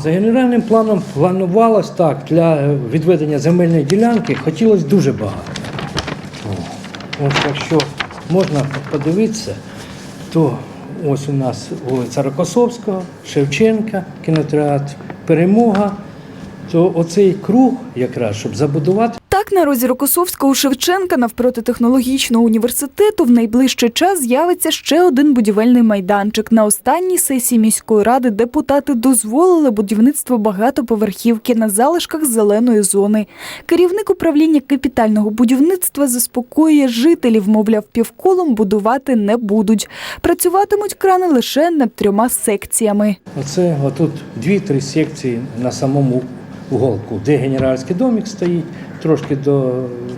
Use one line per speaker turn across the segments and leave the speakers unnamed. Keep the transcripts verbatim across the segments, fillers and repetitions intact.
За генеральним планом планувалось так, для відведення земельної ділянки хотілося дуже багато. Ось якщо можна подивитися, то ось у нас вулиця Рокосовського, Шевченка, кінотеатр «Перемога», то оцей круг якраз, щоб забудувати.
Так, на розі Рокосовського у Шевченка навпроти технологічного університету в найближчий час з'явиться ще один будівельний майданчик. На останній сесії міської ради депутати дозволили будівництво багатоповерхівки на залишках зеленої зони. Керівник управління капітального будівництва заспокоює жителів, мовляв, півколом будувати не будуть. Працюватимуть крани лише над трьома секціями.
Оце отут дві-три секції на самому уголку, де генеральський домик стоїть, трошки до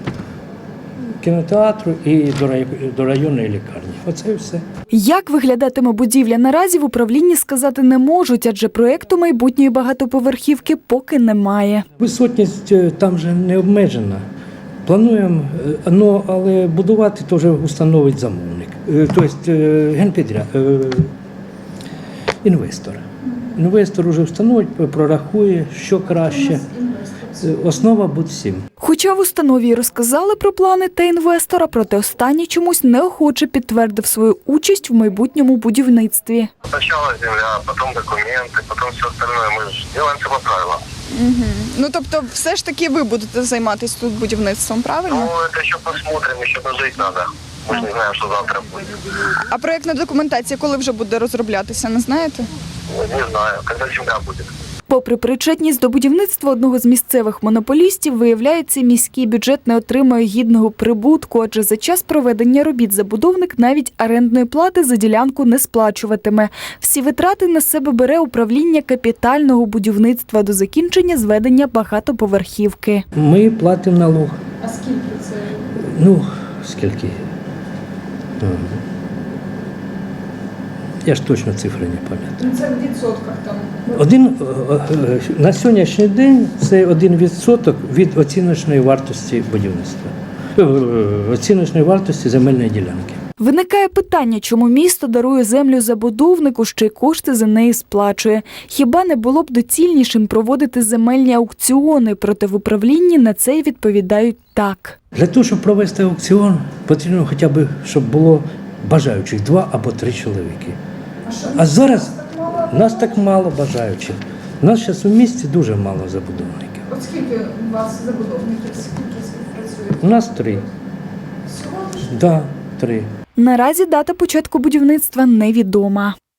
кінотеатру і до районної лікарні. Оце і все.
Як виглядатиме будівля наразі в управлінні сказати не можуть, адже проєкту майбутньої багатоповерхівки поки немає.
Висотність там вже не обмежена. Плануємо, ну, але будувати то вже установить замовник, тобто генпідряд, інвестор. Інвестор вже встановить, прорахує, що краще. Основа буде всім.
Хоча в установі й розказали про плани та інвестора, проте останній чомусь неохоче підтвердив свою участь в майбутньому будівництві.
Спочатку земля, потім документи, потім все остальне. Ми ж робимо це по правилам.
Угу. Ну, тобто, все ж таки ви будете займатися тут будівництвом, правильно?
Ну, це ще посмотримо, ще дожити треба. Ми ж не знаємо, що завтра буде.
А проєктна документація коли вже буде розроблятися, не знаєте?
Не знаю, коли земля буде.
Попри причетність до будівництва одного з місцевих монополістів, виявляється, міський бюджет не отримує гідного прибутку, адже за час проведення робіт забудовник навіть орендної плати за ділянку не сплачуватиме. Всі витрати на себе бере управління капітального будівництва до закінчення зведення багатоповерхівки.
Ми платимо налог.
А скільки це?
Ну, скільки? Я ж точно цифри не пам'ятаю.
Це в відсотках там.
Один, на сьогоднішній день це один відсоток від оціночної вартості будівництва, оціночної вартості земельної ділянки.
Виникає питання, чому місто дарує землю забудовнику, ще й кошти за неї сплачує. Хіба не було б доцільнішим проводити земельні аукціони, проте в управлінні на це й відповідають так.
Для того, щоб провести аукціон, потрібно хоча б, щоб було бажаючих два або три чоловіки. А зараз нас так мало бажаючих. У нас зараз у місті дуже мало забудовників.
От скільки у вас забудовників, скільки співпрацюють?
У нас три.
Всього лише?
Так, да, три.
Наразі дата початку будівництва невідома.